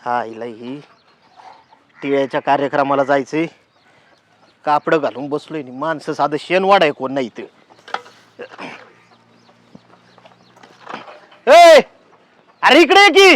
हा हिला ही टिळ्याच्या कार्यक्रमाला जायचंय. कापड घालून बसलोय नि माणसं साधं शेण वाढाय कोण नाही इथं. ए अरे इकडे ये की.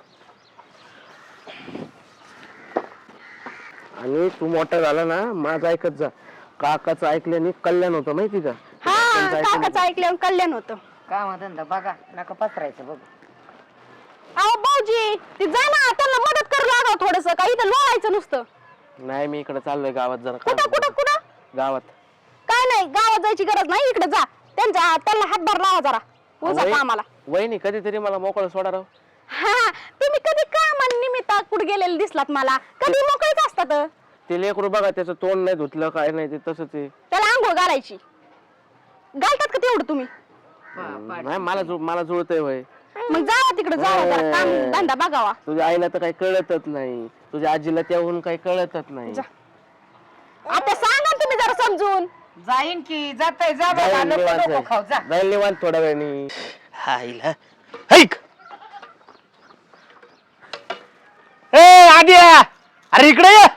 आणि तू मोठा झाला ना माझं ऐकत जा. काकाचं ऐकल्याने कल्याण होतं माहिती का? हा काकाचं ऐकल्यावर कल्याण होतं. काम धंदा बघा नका पसरायचं बघ. अहो भाऊजी ते जा ना त्यांना मदत करू लागा थोडस काही इथं लोळायचं नुसतं. नाही मी इकडे चाललोय गावात जरा कुठं कुठं कुठं गावात. काय नाही गावात जायची गरज नाही इकडे जा त्यांना हातभार लावा जरा उजा कामाला. वहिनी कधीतरी मला मोकळं सोडा राव. हा तुम्ही कधी कामानिमित्त कुठे गेलेले दिसलात मला कधी मोकळीच असतात. ते लेकरू बघा त्याचं तोंड नाही धुतलं काय नाही ते तसंच आहे. त्याला आंघोळ घालायची घालतात का तेवढं तुम्ही? नाही मला जुळतंय वय. मग जावा तिकडे जावा जरा काम धंदा बघावा. तुझ्या आईला तर काही कळतच नाही. तुझ्या आजीला त्याहून काही कळतच नाही. आता सांगा तुम्ही जरा समजून. जाईन की जाताय जा बघा नको नको खाऊ जा. जाईल निवांत थोड्या वेळाने. हा हिला ऐक. ए आद्या अरे इकडे ये.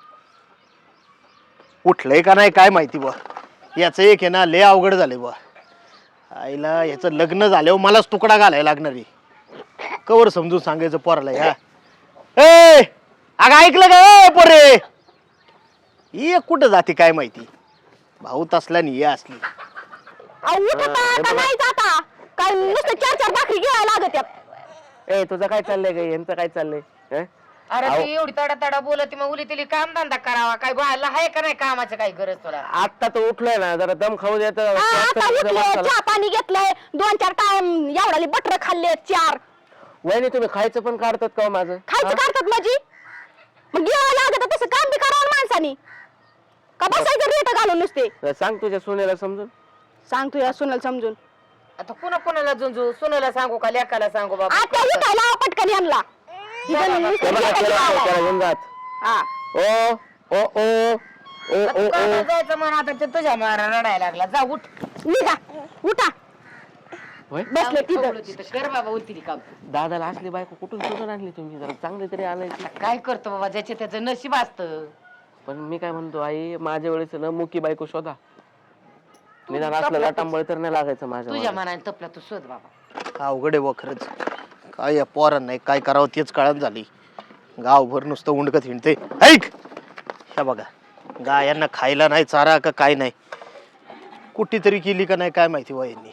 उठलंय का नाही काय माहिती बा. याचं एक आहे ना लय अवघड झालंय बा. आईला याचं लग्न झाल्यावर मलाच तुकडा घालायला लागणार आहे. कवर समजून सांगायचं पोराला. ह्या ए अगं ऐकलं का ए पोरे. ये कुठं जाते काय माहिती. भाऊ तसला नाही असली. अहो उठता का नाही जाता काय नुसतं 4-4 भाकरी घ्यायला लागत यात. ए तुझं काय चाललंय ग? यांचं काय चाललंय? हं? अरे ती एवढी तडा तडा बोलत मग उली तिली काम धंदा करावा काय बायला आहे का नाही कामाचं काही गरज तुला? आता तो उठलाय ना जरा दम खाऊ देत. आता उठले चहा पाणी घेतलंय 2-4 टाइम एवढाले बटर खाल्ले 4. वहिनी तुम्ही खायचं पण काढतात का हो माझं? खायचं काढतात माझी मग घ्यावं लागत तसं काम बी करावं माणसानी का बसायचं रेट घालून नुसते. सांग तुझ्या सुनेला समजून. सांग तू या सुनाला समजून. आता पुन्हा कोणाला झुंजू सुनेला सांगू का लेकाला सांगू बाबा? आता उठायला पटकन यांना त्याला घेऊन जात. ओ ओ ओ ओ ओ ओ. जायचं म्हणून आता ते तुझ्या मारा रडायला लागला. जा उठ निघा उठा होय? बसले तिथं. तिथं कर बाबा उठती काम. दादाला असली बायको कुठून शोधून आणली तुम्ही? जरा चांगली तरी आणायची. काय करतो बाबा ज्याचे त्याचं नशीब असतं. पण मी काय म्हणतो आई माझ्या वेळेस ना मुकी बायको शोधा. निदान असलं लाटांबळ तर नाही लागायचं माझ्या तुझ्या मागे. मनाने तपला तू शोध बाबा. अवघड आहे व खरंच. काय या पोरांना नाही काय करावं तेच कळत झाली. गावभर नुसतं उंडकत हिंडते. ऐक ह्या बघा गायांना खायला नाही चारा का काय नाही. कुठे तरी केली का नाही काय माहिती वा यांनी.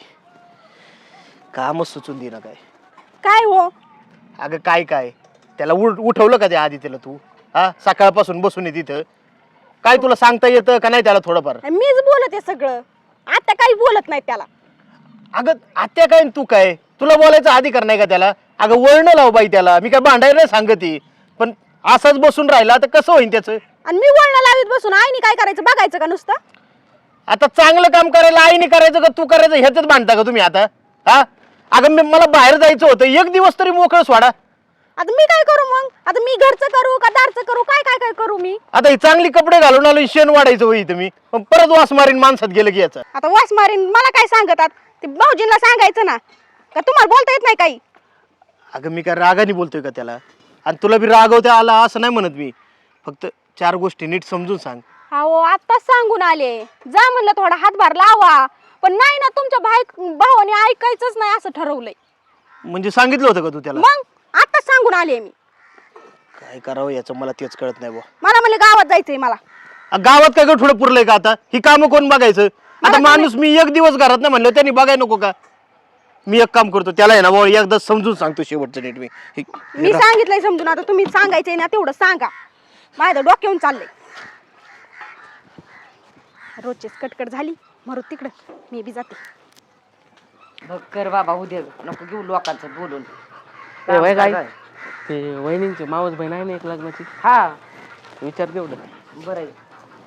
कामच सुचून दे ना काय. काय हो अगं काय काय त्याला उठवलं का त्या आधी त्याला तू? हा सकाळपासून बसून आहे तिथं. काय तुला सांगता येतं का नाही त्याला थोडंफार? मीच बोलते सगळं आता काही बोलत नाही त्याला. अगं आत्या काय तू काय तुला बोलायचा अधिकार नाही का त्याला? अगं वळण लाव बाई त्याला. मी काय भांडायला नाही सांगते पण असाच बसून राहिला तर कसं होईल त्याचं? आणि मी वळण लावीत बसून आईने काय करायचं बघायचं का नुसतं? आता चांगलं काम करायला आईने करायचं का तू करायचं ह्याच्यात भांडता का तुम्ही आता? हा अगं मला बाहेर जायचं होतं एक दिवस तरी मोकळं सोडा. आता मी काय करू मग? आता मी घरचं करू का दारचं करू काय काय काय करू मी? आता ही चांगली कपडे घालून आलो शेण वाढायचं होई तुम्ही पण परत वास मारीन माणसात गेलं की याचं. आता वास मारीन मला काय सांगतात ते भाऊजींना सांगायचं ना का तुम्हाला बोलता येत नाही काही? अगं मी काय रागाने बोलतोय का त्याला? आणि तुला बी रागवता आला असं नाही म्हणत मी. फक्त 4 गोष्टी नीट समजून सांग. हो आताच सांगून आले जा म्हणलं थोडा हातभार लावा पण नाही ना तुमच्या भावाने ऐकायचंच नाही असं ठरवलंय. म्हणजे सांगितलं होतं का तू त्याला? मग आताच सांगून आले मी. काय करावं याचं मला तेच कळत नाही बुवा. मला म्हणलं गावात जायचंय मला. गावात काय थोडं पुरलंय का आता? ही कामं कोण बघायचं? आता माणूस मी एक दिवस घरात नाही म्हणलं त्यांनी बघाय नको का? मी एक काम करतो त्याला आहे ना बाबा एकदा समजून सांगतो शेवटचं नीट. मी सांगितलंय समजून आता तुम्ही सांगायचंय ना तेवढं सांगा. माझ्या डोक्यावरून चाललंय. रोजचीच कटकट झाली मरू तिकडं मी बी जाते. बघ कर बाबा उद्या नको घेऊ लोकांचं बोलून. ए, वय काय ते वहिनींची मावस बहीण आहे ना एक लग्नाची. हा विचार तेवढं. बरं आहे.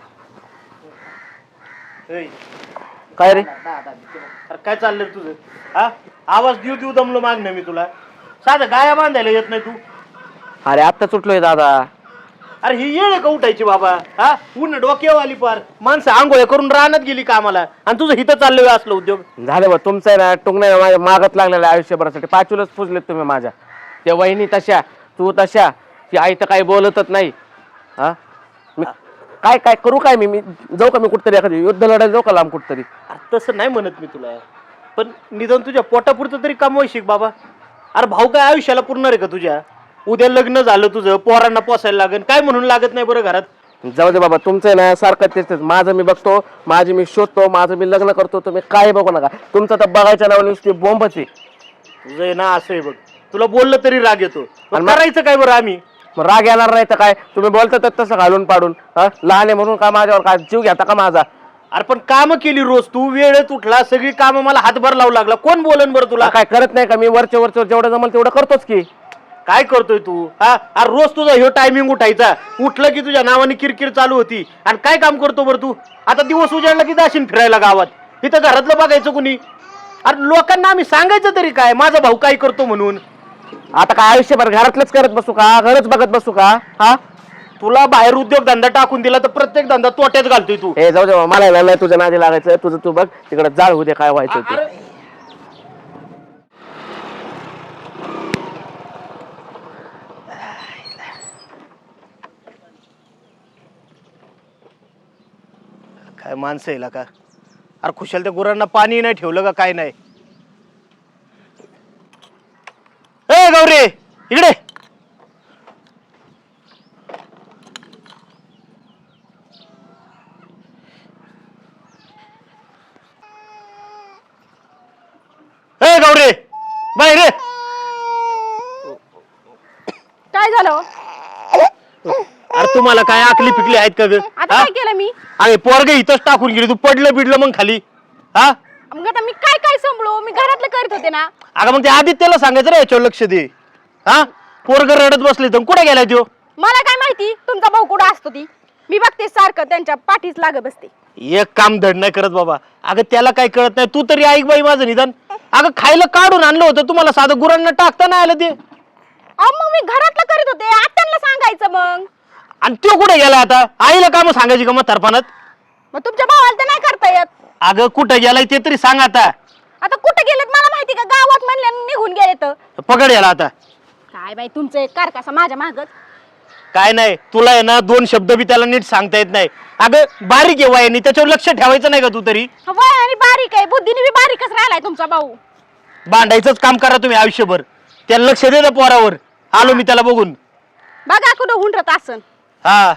काय रे? अरे काय चाललंय तुझं? हा आवाज देऊ देऊ दमलो मागणं मी तुला. साधं गाया बांधायला येत नाही तू. अरे आत्ता सुटलोय दादा. अरे ही येळ का उठायची बाबा? हा ऊन डोक्यावर आली पार. माणसं आंघोळ्या करून रानात गेली कामाला आणि तुझं हिथं चाललंय असलं उद्योग. झालं बा तुमचं आहे ना टुंगण्या माझ्या मागत लागलेलं आयुष्यभरासाठी. 5 फुजलेत तुम्ही माझ्या. त्या वहिनी तशा तू तशा ती आई तर काही बोलतच नाही. हा मी काय काय करू काय मी जाऊ का मी कुठतरी एखादी युद्ध लढायला जाऊ का लांब कुठतरी? अरे तसं नाही म्हणत मी तुला, पण निदान तुझ्या पोटापुरतं तरी कमवाय शिक बाबा. अरे भाऊ काय आयुष्याला पुरणार आहे का तुझ्या? उद्या लग्न झालं तुझं, पोरांना पोसायला लागेल, काय म्हणून लागत नाही बरं घरात? जाऊ दे बाबा, तुमचं आहे ना सारखं तेच तेच. माझं मी बघतो, माझी मी शोधतो, माझं मी लग्न करतो, तुम्ही काय बघू नका. तुमचं तर बघायच्या नावाने नुसती बोंबच आहे. तुझं आहे ना असं आहे बघ, तुला बोललं तरी राग येतो. आणि करायचं काय बरं आम्ही? मग राग येणार नाही तर काय? तुम्ही बोलता तर तसं घालून पाडून. हा लहान आहे म्हणून का माझ्यावर काय जीव घेता का माझा? अरे पण काम केली रोज तू, वेळेत उठला, सगळी कामं मला हातभार लावू लागला, कोण बोलन बरं तुला? काय करत नाही का मी? वरच्या वरच्या जेवढं जमल तेवढं करतोच की. काय करतोय तू? हा अरे रोज तुझा ह्यो टायमिंग उठायचा, उठलं की तुझ्या नावाने किरकिर चालू होती. आणि काय काम करतो बरं तू? आता दिवस उजाडला की जाशील फिरायला गावात, इथं घरातलं बघायचं कुणी? अरे लोकांना आम्ही सांगायचं तरी काय माझा भाऊ काय करतो म्हणून? आता काय आयुष्यभर घरातलंच करत बसू का? घरच बघत बसू का? हा तुला बाहेर उद्योग धंदा टाकून दिला तर प्रत्येक धंदा तोट्यात घालतोय तू. हे जाऊ दे बाबा, मला नाही तुझ्या नादी लागायचं. तुझं तू बघ, तिकडे जाळ होऊ दे काय व्हायचं ते. काय माणसं येईल का? अरे खुशाल त्या गुरांना पाणी नाही ठेवलं का काय नाही? ए गौरी इकडे. ए गौरी बाहेर ये. काय झालं? अरे तुम्हाला काय आकली पिकली आहेत का ग? आता काय केलं मी? अरे पोरग इथंच टाकून गेली, तू पडलं बिडलं मग खाली. हा मग आता मी काय काय सांभाळू? मी घरातलं करीत होते ना. अगं मग ते आदित्यला सांगायचं रे याच्यावर लक्ष दे. हा पोरग रडत बसले तर कुठे गेलाय तो? मला काय माहिती तुमचा भाऊ कुठं असतो ती? मी बघते सारखं त्यांच्या पाठीच लागत बसते. एक काम धड नाही करत बाबा. अगं त्याला काय कळत नाही, तू तरी ऐक बाई माझं निदान. अगं खायला काढून आणलं होतं तुम्हाला, साधं गुरांना टाकता नाही आलं ते. मग मी घरातलं करीत होते, आत्यांना सांगायचं मग. आणि तो कुठे गेला आता? आईला काम सांगायची का मग तरपानात? मग तुमच्या भावाला तर नाही करता येत. अगं कुठं गेलाय ते तरी सांग आता. आता कुठे गेलेत मला माहिती का? गावात म्हणले निघून गेले तर. पकड याला आता. काय बाई तुमचं एक कारकासा माझ्या मागच. काय नाही तुला आहे ना, दोन शब्द बी त्याला नीट सांगता येत नाही. अगं बारीक आहे वयाने, त्याच्यावर लक्ष ठेवायचं नाही का तू तरी? वय आणि बारीक आहे, बुद्धीने बी बारीकच राहिलाय तुमचा भाऊ. भांडायचंच काम करा तुम्ही आयुष्यभर. त्याला लक्ष दे ना पोरावर. आलो मी त्याला बघून. बघा कुठं हुंडत असन. हा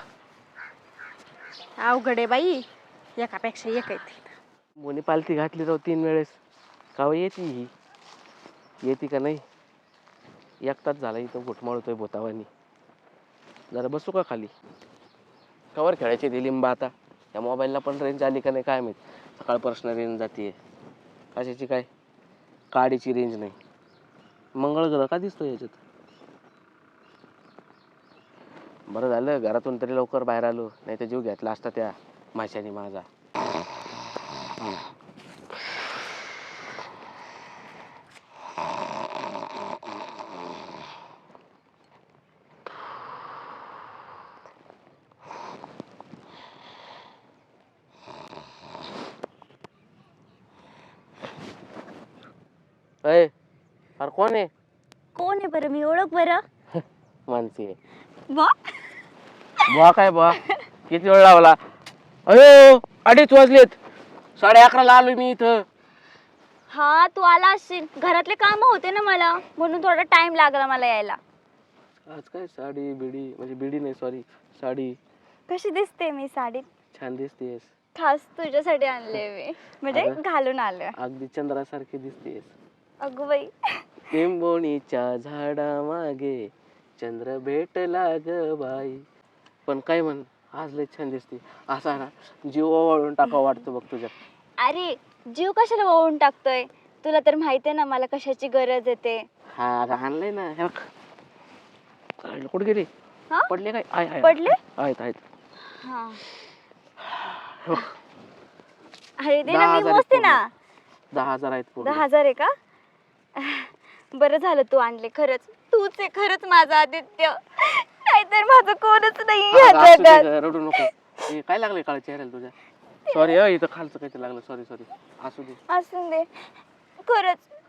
अवघड आहे बाई, एकापेक्षा एक आहे. मोनी पालथी घातली राव 3 वेळेस. काव येते ही? येते का नाही? एक तास झाला इथं घुटमाळतोय भोतावानी. जरा बसू का खाली? कवर खेळायची ती लिंबा आता. या मोबाईलला पण रेंज आली का नाही काय माहित. सकाळपासून रेंज जाते. कशाची काय? काडीची रेंज नाही. मंगळ ग्रह का दिसतो याच्यात? बरं झालं घरातून तरी लवकर बाहेर आलो, नाही तर जीव घेतला असता त्या माशाने माझा. अरे कोण आहे? कोण आहे बरं? मी ओळख बरं. मानसी आहे. वा बुवा काय बुवा? किती वेळ लावला? अयो 2:30 वाजलेत. 11:30ला आलोय मी इथं. हा तू आला असशील, घरातले काम होते ना मला, म्हणून थोडा टाइम लागला मला यायला. आज काय साडी बिडी, म्हणजे बिडी नाही सॉरी साडी. कशी दिसते मी साडीत? छान दिसतेस. खास तुझ्यासाठी आणले मी, म्हणजे घालून आलोय. अगदी चंद्रासारखी दिसतेस. अगं बाई. लिंबोणीच्या झाडा मागे चंद्र भेटला ग बाई. पण काय म्हण, आज लय छान दिसते. असा ना जीव ओवाळून टाकावं वाटतं बघ तुझ्या. अरे जीव कशाला ओळून टाकतोय? तुला तर माहिती आहे ना मला कशाची गरज येते. हा आणलंय ना. हे बघ. कुठे गेली? हा? पडले काय? आहे पडले? आहेत आहेत. हा अरे दे ना, मी मोजते ना. 10,000 आहेत पूर्ण. 10,000 आहे का? बरं झालं तू आणले. खरंच तूच आहे खरंच माझा आदित्य, नाहीतर माझं कोणच नाही या जगात. रडू नको. हे काय लागले काळ चेहऱ्याला तुझ्या? सॉरी इथं खालचं काहीतरी लागलं. सॉरी असू दे. असून दे. खरंच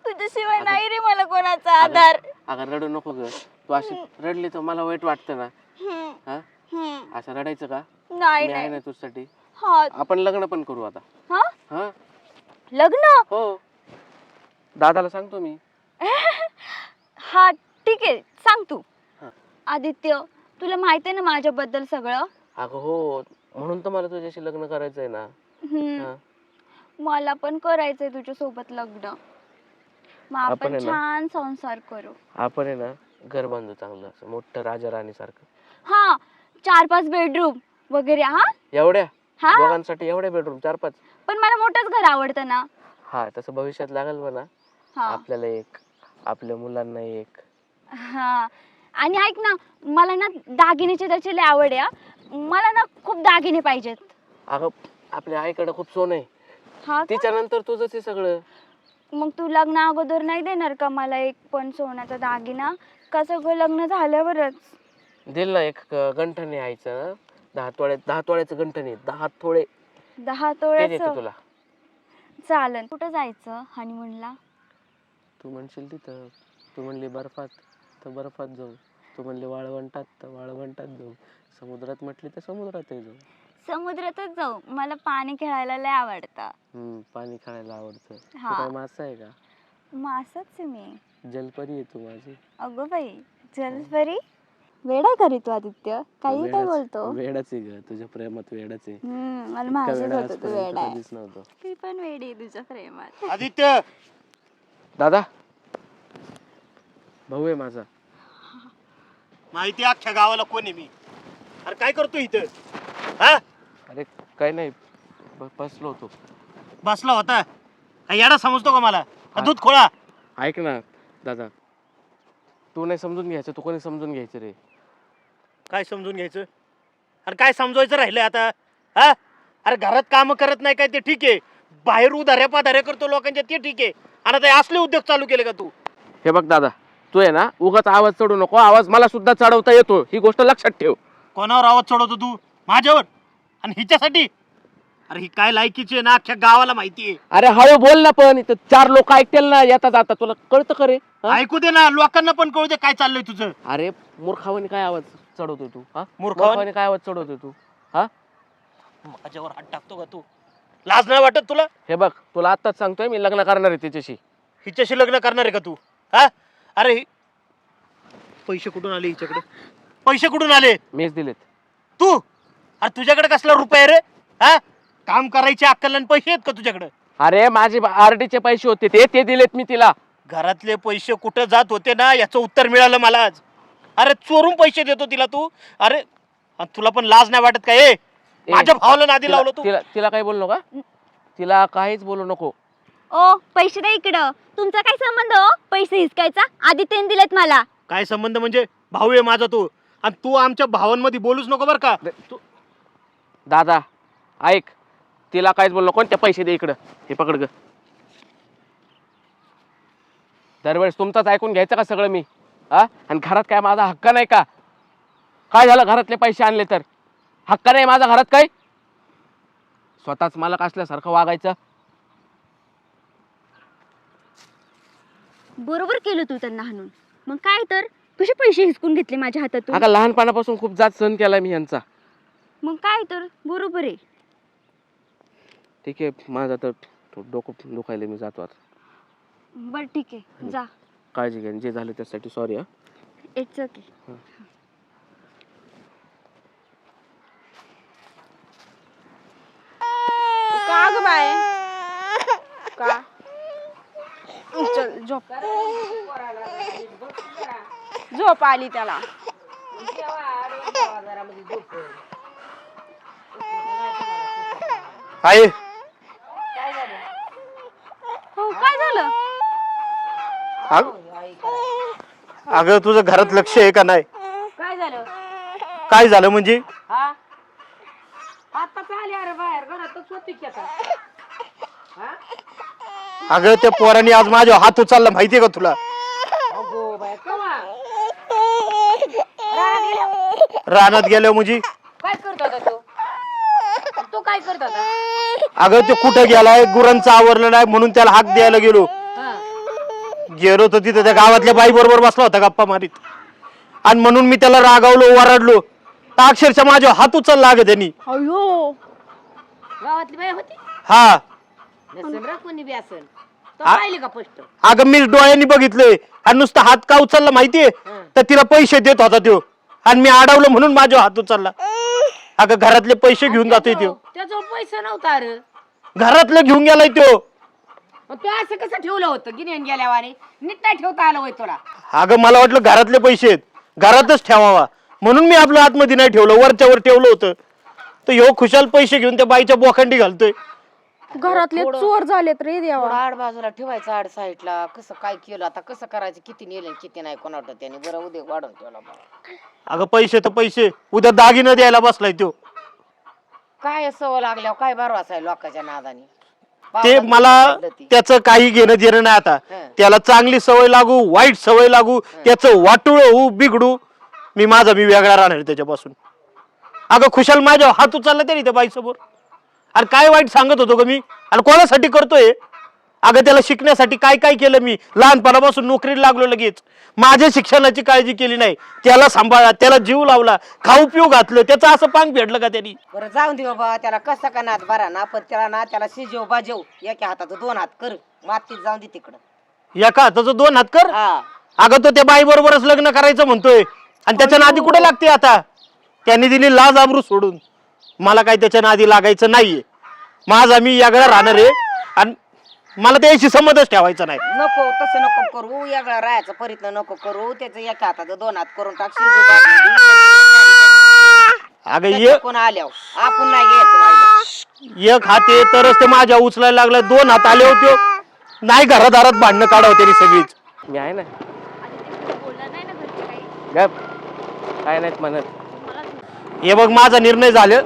तुझ्याशिवाय नाही रे मला कोणाचा आधार. अगं रडू नको ग. तू अशी रडली तर मला वाईट वाटतं ना. हम्म, हा हम्म. असं रडायचं का? नाही मी आहे नाही. ना तुझ्यासाठी. हा आपण लग्न पण करू आता. हा हा लग्न. हो दादाला सांगतो मी. हा ठीक आहे सांग तू. हा. आदित्य तुला माहित आहे ना माझ्याबद्दल सगळं. अगं हो म्हणून तर मला तुझ्याशी लग्न करायचंय ना. हम्म. हा. मला पण करायचंय तुझ्या सोबत लग्न. मग आपण आपण आहे ना? छान संसार करू. आपण आहे ना घर बांधू चांगलं असं मोठं राजा राणी सारखं. हा 4-5 बेडरूम वगैरे. हा एवढ्या हा दोघांसाठी एवढे बेडरूम 4-5. पण मला मोठंच घर आवडतं ना. हा तसं भविष्यात लागेल म्हणा. हा आपल्याला एक आपल्या मुलांना एक. हा आणि ऐक ना मला ना दागिन्याची त्याची लय आवड आहे हा. मला ना खूप दागिने पाहिजेत. अगं आपल्या आईकडे खूप सोनं आहे. हा का? तिच्यानंतर तुझंच आहे सगळं. मग तू लग्न अगोदर नाही देणार का मला एक पण सोन्याचा दागिना? का सगळं लग्न झाल्यावरच? दिल ना एक गंठण आहे आईचं. 10 तोळ्याचं गंठण आहे. 10 तोळे 10 ते तोळ्याचं देते तुला. चालन. कुठं जायचं हनीमूनला? तू म्हणशील तिथं. तू म्हणली बर्फात तर बर्फात जाऊ. तू म्हणली वाळवंटात तर वाळवंटात जाऊ. समुद्रात म्हटली तर समुद्रातही जाऊ. समुद्रातच जाऊ. मला पाणी खेळायला लय आवडतं. पाणी खायला आवडतं. तू हा. काय मासा आहे का? मासच आहे मी. जलपरी आहे तू माझी. अगं बाई जलपरी. वेडा करी तू आदित्य. काही काय बोलतो. वेडाच आहे ग. तुझ्या प्रेमात वेडाच आहे. मला इतका माहिती वेडा होतं तू आजपर्यंत वेडा आहे. कधीच नव्हतो. ती पण वेडी आहे तुझ्या प्रेमात. आदित्य दादा भाऊ आहे माझा. माहिती आहे अख्ख्या गावाला कोण आहे मी. अरे काय करतो इथं. हा अरे काय नाही बसलो होतो. बसला होता. काय येडा समजतो का मला. का दूध खोळा. ऐक ना दादा तू नाही समजून घ्यायचं. तू कोणी समजून घ्यायचं रे. काय समजून घ्यायचं. अरे काय समजवायचं राहिलंय आता. हा अरे घरात काम करत नाही काय ते ठीक आहे. बाहेर उधाऱ्या पाधाऱ्या करतो लोकांच्या ते ठीक आहे. आणि आता हे असले उद्योग चालू केले का तू. हे बघ दादा तू आहे ना उगाच आवाज चढू नको. आवाज मला सुद्धा चढवता येतो. ही गोष्ट लक्षात ठेव. कोणावर आवाज चढवतो तू. माझ्यावर. आणि हिच्यासाठी. अरे ही काय लायकीची आहे ना अख्ख्या गावाला माहिती आहे. अरे हळू बोल ना. पण इथं 4 लोक ऐकतील ना येता जाता. तुला कळतं का रे. हा? ऐकू दे ना लोकांना पण कळू दे काय चाललंय तुझं. अरे मूर्खावानी काय आवाज चढवतोय तू. हा मूर्खावानी काय आवाज चढवतोय तू. हा माझ्यावर हात टाकतो का तू. लाज नाही वाटत तुला. हे बघ तुला आत्ताच सांगतोय मी लग्न करणार आहे तिच्याशी. हिच्याशी लग्न करणार आहे का तू. हा अरे पैसे कुठून आले हिच्याकडे. पैसे कुठून आले. मीच दिलेत. तू. अरे तुझ्याकडे कसला रुपये रे. हा काम करायची अक्कल आणि पैसे आहेत का तुझ्याकडे. अरे माझे आरडीचे पैसे होते ते दिलेत मी तिला. घरातले पैसे कुठं जात होते ना याचं उत्तर मिळालं मला आज. अरे चोरून पैसे देतो तिला तू. अरे आणि तुला पण लाज नाही वाटत का. माझ्या भावाला नादी लावलं तू. तिला काही बोलू नका. तिला काहीच बोलू नको. ओ पैसे द्या इकडं. तुमचा काय संबंध हो पैसे हिसकायचा. आदित्यने दिलेत मला. काय संबंध म्हणजे भाऊ आहे माझा तू. आणि तू आमच्या भावांमध्ये बोलूच नको बरं का. तू दादा ऐक तिला काहीच बोलू नको. त्या पैसे दे इकडं. हे पकड ग. दरवेळेस तुमचाच ऐकून घ्यायचं का सगळं मी. हा आणि घरात काय माझा हक्क नाही का. काय झालं घरातले पैसे आणले तर हक्क नाही माझा घरात काय. स्वतःच मालक असल्यासारखं वागायचं. बरोबर केलं तू त्यांना हाणून. मग काय तर तुझे पैसे हिसकून घेतले माझ्या हातातून. अगं लहानपणापासून खूप जात सहन केला मी यांचा. मग काय तर बरोबर आहे. ठीक आहे माझा तर डोकं दुखायला मी जातो आता. बर ठीक आहे जा. काळजी घ्या. जे झालं त्यासाठी सॉरी. हा इट्स ओके. का ग बाय. का चल झोप. झोप आली त्याला. आहे हो काय झालं. अगं तुझं घरात लक्ष आहे का नाही. काय झालं. काय झालं म्हणजे. आता आली अरे बाहेर घरातच होती की आता. अगं त्या पोराने आज माझ्या हात उचलला माहितीये का तुला. रानात गेलो म्हणजे. काय करत होता तू काय करत होता. अगं ते कुठं गेलाय गुरांचं आवरलं नाही म्हणून त्याला हाक द्यायला गेलो. गेलो तर तिथे त्या गावातल्या बाई बरोबर बसला होता गप्पा मारीत, आणि म्हणून मी त्याला रागावलो, ओरडलो, तर अक्षरशः माझ्या हात उचलला लागे त्यांनी. अयो गावातली बाई होती हा नसेल रे कोणी बी असेल तो पाहिली का पोस्ट अगं मी डोळ्यांनी बघितलंय, आणि नुसता हात का उचलला माहितीये, तर तिला पैसे देत होता त्यो, आणि मी अडवलं म्हणून माझा हात उचलला. अगं घरातले पैसे घेऊन जातोय त्यो, त्याजवळ पैसा नव्हता रे घरातलं घेऊन गेलाय त्यो. मग तू असं कसं ठेवलं होतं गिन्यान गेल्यावाने नीट नाही ठेवता आलं होय तुला अगं मला वाटलं घरातले पैसे आहेत, घरातच ठेवावा, म्हणून मी आपलं आतमध्ये नाही ठेवलं, वरच्या वर ठेवलं होतं. तर ह्यो खुशाल पैसे घेऊन त्या बाईच्या बोखंडी घालतोय. घरातले चोर झालेत रे देवा. थोडं आड बाजूला ठेवायचं आड साईडला. कसं काय केलं आता, कसं करायचं, किती नेलं किती नाही कोणावट त्याने बरं उद्या वाढून ठेवला बा. अगं पैसे तर पैसे, उद्या दागिनं द्यायला बसलाय त्यो. काय सवय लागल्यावर काय बरं असाय लोकांच्या नादाने. ते मला त्याचं काही घेणं देणं नाही आता. त्याला चांगली सवय लागू वाईट सवय लागू, त्याचं वाटुळ होऊ बिघडू, मी वेगळा राहणार त्याच्यापासून. अगं खुशाल माझ्या हात उचलला तरी त्या बाईसमोर. अरे काय वाईट सांगत होतो ग मी, आणि कोणासाठी करतोय. अगं त्याला शिकण्यासाठी काय काय केलं मी, लहानपणापासून नोकरीला लागलो, लगेच माझ्या शिक्षणाची काळजी केली नाही, त्याला सांभाळला, त्याला जीव लावला, खाऊ पिऊ घातलं, त्याचं असं पांग फेडलं का त्यांनी. बरं जाऊन दे बाबा, त्याला कसा का नाद बरा ना, पण त्याला शिजव बाजव एका हाताचं 2 हात कर, मातीत जाऊन दे तिकडं. एका हाताचं 2 हात कर. हा अगं तो त्या बाई बरोबरच लग्न करायचं म्हणतोय, आणि त्याच्या नादी कुठे लागते आता. त्यांनी दिली लाज आबरू सोडून, मला काही त्याच्या नादी लागायचं नाहीये. माझा मी यागळा राहणार आहे, आणि मला त्याशी संबंधच ठेवायचा नाही. नको तसं नको करू, यागळा राहायचा प्रयत्न नको करू. त्याचं एका हाताचं 2 हात करून टाक, शिजव बाजून दे. अगं त्याच्या कोण आल्यावर आपण नाही घ्यायचं वाहिलं. एक हात आहे तरच ते माझ्या उचलायला लागला, 2 हात आले होते नाही, घरादारात भांडणं काढावं त्यांनी सगळीच. मी आहे ना, बोलला नाही ना घरचे काही गप काय नाहीत म्हणत. हे बघ माझा निर्णय झाला.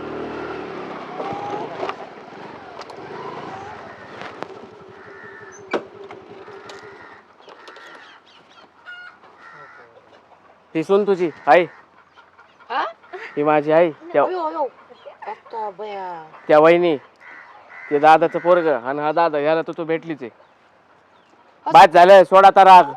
ती सून तुझी आई, हा? ही माझी आई. अयो, अयो. आता बया. त्या वहिनी, ते दादाचं पोरग, आणि हा दादा, याला तू भेटलीच आहे. बाद झालं, सोडा आता राग.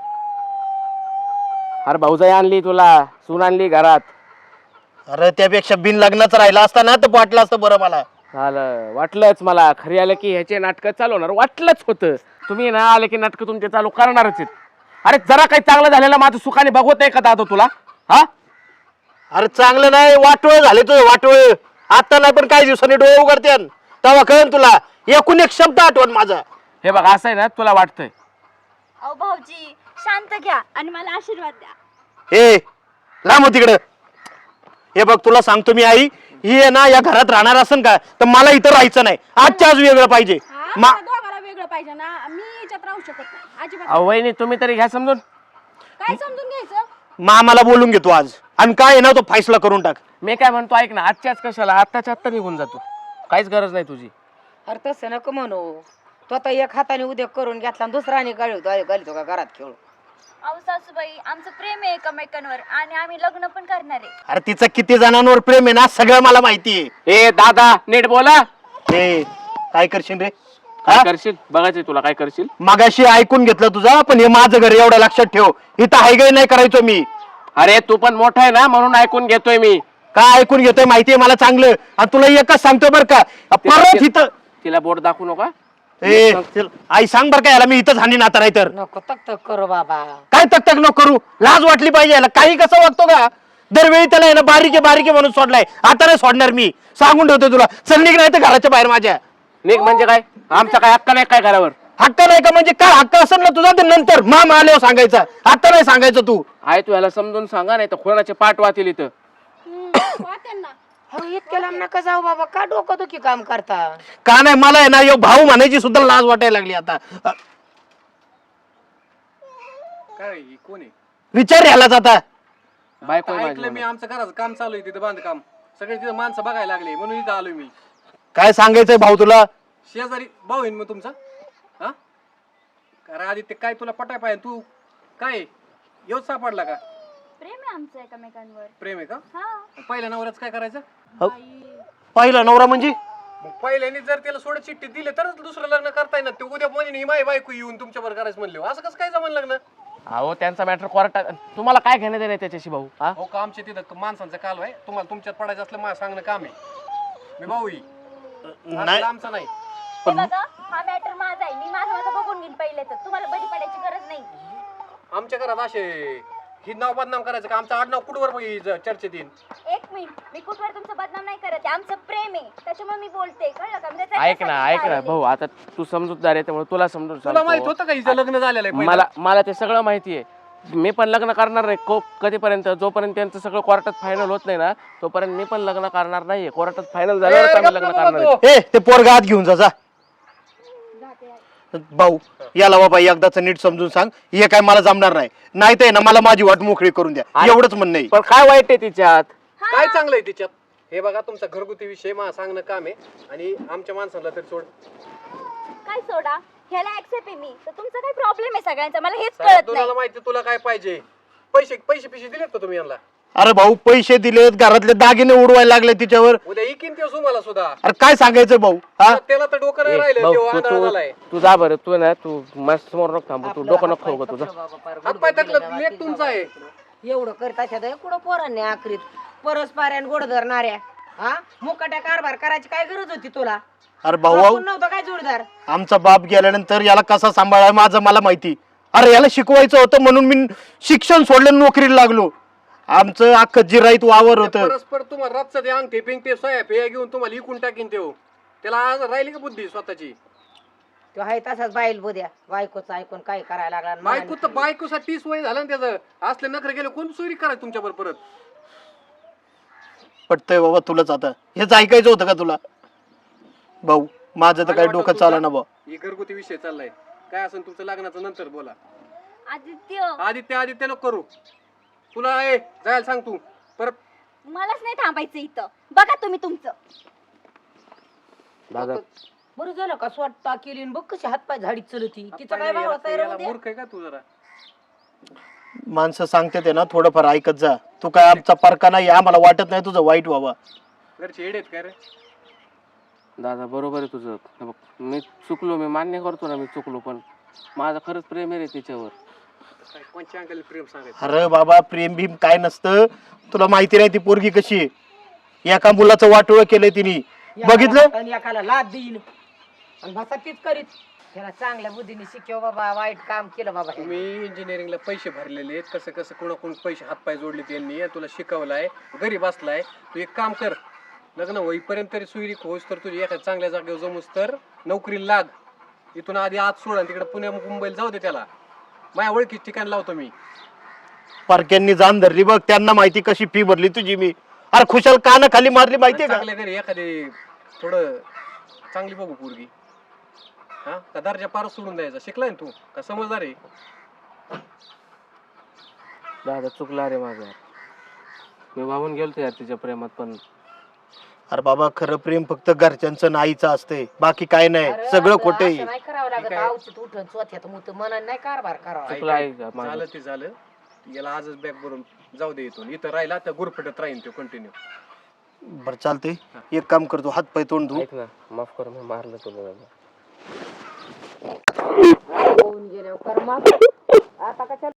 अरे भाऊजाई आणली तुला, सून आणली घरात. अरे त्यापेक्षा बिन लग्नाचं राहिला असता ना तर वाटलं असतं बरं मला. झालं, वाटलंच मला. खरी आलं की ह्याचे नाटकं चालवणार, वाटलंच होतं. तुम्ही ना आले की नाटकं तुमचे चालू करणारच आहेत. अरे जरा काही चांगलं झालेलं माझं सुखाने बघवत नाही का दादा तुला? हा अरे चांगलं नाही, वाटोळ झाले तुझं वाटोळ. आता नाही पण काही दिवसांनी डोळे उघडते, तेव्हा कळन तुला. एकूण एक शब्द आठवण माझा. हे बघ असं आहे ना, तुला वाटतंय. अहो भाऊजी शांत घ्या आणि मला आशीर्वाद द्या. हे लांब हो तिकडं. हे बघ तुला सांगतो मी आई, ही आहे ना या घरात राहणार असेल का, तर मला इथं राहायचं नाही. आजच्या आज वेगळं पाहिजे. दोघाला वेगळं पाहिजे ना, मी याच्यात राहू शकत नाही अजिबात. अहो वहिनी तुम्ही तरी घ्या समजून. काय समजून घ्यायचं. मामाला बोलून घेतो आज, आणि काय आहे ना तो फैसला करून टाक. मी काय म्हणतो ऐक ना, आजच्याच कशाला, आत्ताच्या आत्ता निघून जातो, काहीच गरज नाही तुझी. अरे तसं नको म्हणू. तो आता एक हाताने उद्या करून घेतला आणि दुसऱ्याने घालतो का घरात खेळू. अहो सासूबाई आमचं प्रेम आहे एकमेकांवर आणि आम्ही लग्न पण करणार आहे. अरे तिचं किती जणांवर प्रेम आहे ना सगळं मला माहिती आहे. ए दादा नीट बोला. हे काय करशील रे, काय करशील बघायचंय तुला, काय करशील. मागाशी ऐकून घेतलं तुझा, पण हे माझं घर एवढं लक्षात ठेव, इथं हायगाय नाही करायचो मी. अरे तू पण मोठा आहे ना म्हणून ऐकून घेतोय मी. काय ऐकून घेतोय माहितीये मला चांगलं, आणि तुला एकच सांगतो बरं का, परत इथं तिला बोट दाखवू नका. ए आई सांग बरं का याला, मी इथंच हानी नाता नाही तर. नको तक तक करू बाबा. काय तक नको करू, लाज वाटली पाहिजे याला. काही कसं वागतो का, दरवेळी त्याला आहे ना बारीके बारीके म्हणून सोडलाय, आता नाही सोडणार मी, सांगून ठेवतो तुला. चल निघ नाही तर घराच्या बाहेर माझ्या. निघ म्हणजे काय, आमचा काय हक्क नाही काय घरावर. हक्क नाही का म्हणजे काय हक्क असेल ना तुझा, तर नंतर मामा आल्यावर सांगायचा, आता नाही सांगायचं तू. आहे तू याला समजून सांगा, नाही तर कोणाचे पाठ वाचील इथं. त्यांना हो इतक्या लांब नका जाऊ बाबा, का डोकं दुखी काम करता. का नाही, मला आहे ना यो भाऊ म्हणायची सुद्धा लाज वाटायला लागली आता. काय कोण आहे? विचार यालाच आता. बायको आहे ऐकलं मी, माझी. आमचं घराचं काम चालू आहे तिथं, बांधकाम. सगळे तिथं माणसं बघायला लागले म्हणून इथं आलोय मी. काय सांगायचंय भाऊ तुला. शेजारी भाऊ आहे मग तुमचा. हा कारण आदित्य काय तुला पटाय पाहिजे, तू काय येऊच सापडला का? प्रेम आहे आमचं एकमेकांवर. प्रेम आहे का? हा पहिल्या नवऱ्याच काय करायचं? हो. पहिला नवरा म्हणजे मग पहिल्याने जर त्याला सोड चिठ्ठी दिली तरच दुसरं लग्न करताय ना. ते उद्या म्हणे माय बायको येऊन तुमच्या बरोबर करायचं म्हणले, असं कसं काय जमन लग्न? अहो त्यांचा मॅटर कोर्टात, तुम्हाला काय घेणं देणं त्याच्याशी भाऊ? हा हो का आमच्या तिथं माणसांचा काल आहे, तुम्हाला तुमच्यात पडायचं असलं मला सांगणं काम आहे. मी भाऊ नाही आमचा नाही. हे बघा, हा मॅटर माझा आहे. मी माझं बघून घेईन पहिले, तर तुम्हाला बळी पडायची गरज नाही. आमच्या घरात असे ही नाव बदनाम करायचं का? आमचं आडनाव कुठवर चर्चेत येईल? एक मिनिट, मी कुठवर तुमचं बदनाम नाही करत आहे. आमचं प्रेम आहे, त्याच्यामुळे मी बोलते, कळलं का? म्हणजे ऐक ना भाऊ, आता तू समजूतदार आहे त्यामुळे तुला समजून तुला माहित सांगतो. होतं का हिचं लग्न झालेलं आहे पहिलं? मला ते सगळं माहिती आहे. मी पण लग्न करणार नाही कधीपर्यंत, जोपर्यंत त्यांचं सगळं कोर्टात फायनल होत नाही ना तोपर्यंत मी पण लग्न करणार नाहीये. कोर्टात फायनल झाल्यावर आम्ही लग्न करणार आहे. ए ते पोरगा आत घेऊन जा भाऊ. याला बाबा एकदाच नीट समजून सांग, हे काय मला जमणार नाही. नाही तर ना मला माझी वाट मोकळी करून द्या, एवढंच म्हणणं आहे. पण काय वाईट आहे तिच्यात? काय चांगलं आहे तिच्यात? हे बघा तुमचा घरगुती विषय मला सांगणं काम आहे आणि आमच्या माणसाला तरी सोड. काय सोडा, ह्याला ऍक्सेप्ट आहे मी, तर तुमचा काय प्रॉब्लेम आहे सगळ्यांचा? मला हेच कळत तुला नाही. माहिती तुला काय पाहिजे? पैसे पैसे पिशे दिलेत का तुम्ही यांना? अरे भाऊ पैसे दिलेत, घरातले दागिने उडवायला लागले तिच्यावर. उद्या इकीन ते तुम्हाला सुद्धा. अरे काय सांगायचं भाऊ? हा त्याला तर डोकं नाही ए, राहिलं, भाऊ, तेव्हा आंधळा झालाय. तू जा बरं. तू ना तू माझ्या समोर नको थांबू. तू डोकं नको खाऊ का तुझा? हातपाय टाकलं लेख तुमचा आहे. एवढं करता कुठं पोरांनी आखरीत परस्पऱ्यान गोड धरणाऱ्या. हा मुकाट्या कारभार करायची काय गरज होती तुला? अरे भाऊ आपण नव्हतं काय जोडदार? आमचा बाप गेल्यानंतर याला कसा सांभाळाय माझं मला माहिती. अरे याला शिकवायचं होतं म्हणून मी शिक्षण सोडलं, नोकरीला लागलो. आमचं अख्खं जिराईत वावर होतं. परस्पर तुम्हाला रातचं ते अंगठे पिंगटे सोयाप हे घेऊन तुम्हाला इकून टाकीन तेव. त्याला आज राहिली का बुद्धी स्वतःची? तो आहे तसाच बाईल बोद्या, बायकोचं ऐकून काय करायला लागला. बायको तर बायकोसाठी 30 वय झालं ना त्याचं. असले नखरे गेले कोण चोरी करायचं तुमच्या बरोबर परत? पटतंय बाबा तुलाच आता, हेच ऐकायचं होतं का तुला? भाऊ माझं तर काही डोकं चाला ना भाऊ. ही घरगुती विषय चाललाय. काय असेल तुमचं लग्नाचं नंतर बोला. आदित्य, आदित्य नको करू. तुला जायला सांग तू परत. मलाच नाही थांबायचं इथं. बघा तुम्ही तुमचं. दादा बरं झालं का स्वतः केली बघ कशी हातपाय झाडीत चलती. तिचं काय भाव होता याला मूर्ख आहे का तू जरा? माणसं सांगते ते ना थोडंफार ऐकत जा. तू काय आमचा पारका नाही, आम्हाला वाटत नाही तुझं वाईट व्हावं. घरचे येडेत काय रे? दादा बरोबर आहे तुझं. हे बघ, मी चुकलो, मी मान्य करतो ना मी चुकलो, पण माझं खरंच प्रेम आहे रे तिच्यावर. काय कोणच्या अंगाला प्रेम सांगायचं? अरे बाबा प्रेम भीम काय नसतं. तुला माहिती नाही ती पोरगी कशी आहे. एका मुलाचं वाटोळं केलंय तिने, बघितलं? आणि एकाला लाद देईन आणि भाषा तीच करीत. त्याला चांगल्या बुद्धीने शिकव बाबा, वाईट काम केलं बाबा. तुम्ही इंजिनिअरिंगला पैसे भरलेले आहेत, कसं कसं कोणाकोण पैसे हातपाय जोडले त्यांनी, तुला शिकवलाय, घरी बसलाय. तू एक काम कर, लग्न होईपर्यंत तरी सुईरीक होईस तर तुझी एका चांगल्या जागेवर जमूस तर नोकरीला लाग. इथून आधी आत सोड आणि तिकडे पुण्या मुंबईला जाऊ दे त्याला. माझ्या ओळखीच ठिकाण लावतो मी. पारक्यांनी जाण धरली बघ, त्यांना माहिती कशी फी भरली तुझी मी. अरे खुशाल कान खाली मारली माहितीये का? चांगल्या घरी एखादी थोडं चांगली बघू पोरगी. हा का दर्जा पारच सोडून द्यायचा? शिकलाय ना तू का समजदार आहे? दादा चुकला रे माझं. मी वाहून गेलतो यार तिच्या प्रेमात. पण अरे बाबा खरं प्रेम फक्त घरच्यांचं नाहीचं असते, बाकी काय नाही. सगळं खोटं आहे. नाही करावं लागत. आवचित उठून स्वतःत मुत मनाने नाही कारभार करावा. चुकला आहे का माझं? झालं ते झालं. याला आजच बॅग भरून जाऊ दे इथून. इथं राहिला तर गुरफटत राहीन तो कंटिन्यू. बरं चालते, एक काम करतो, हात पाय तोंड धु. ऐक ना, माफ कर, मी मारलं तुला दादा. होऊन गेल्यावर कर माफ. आता कशा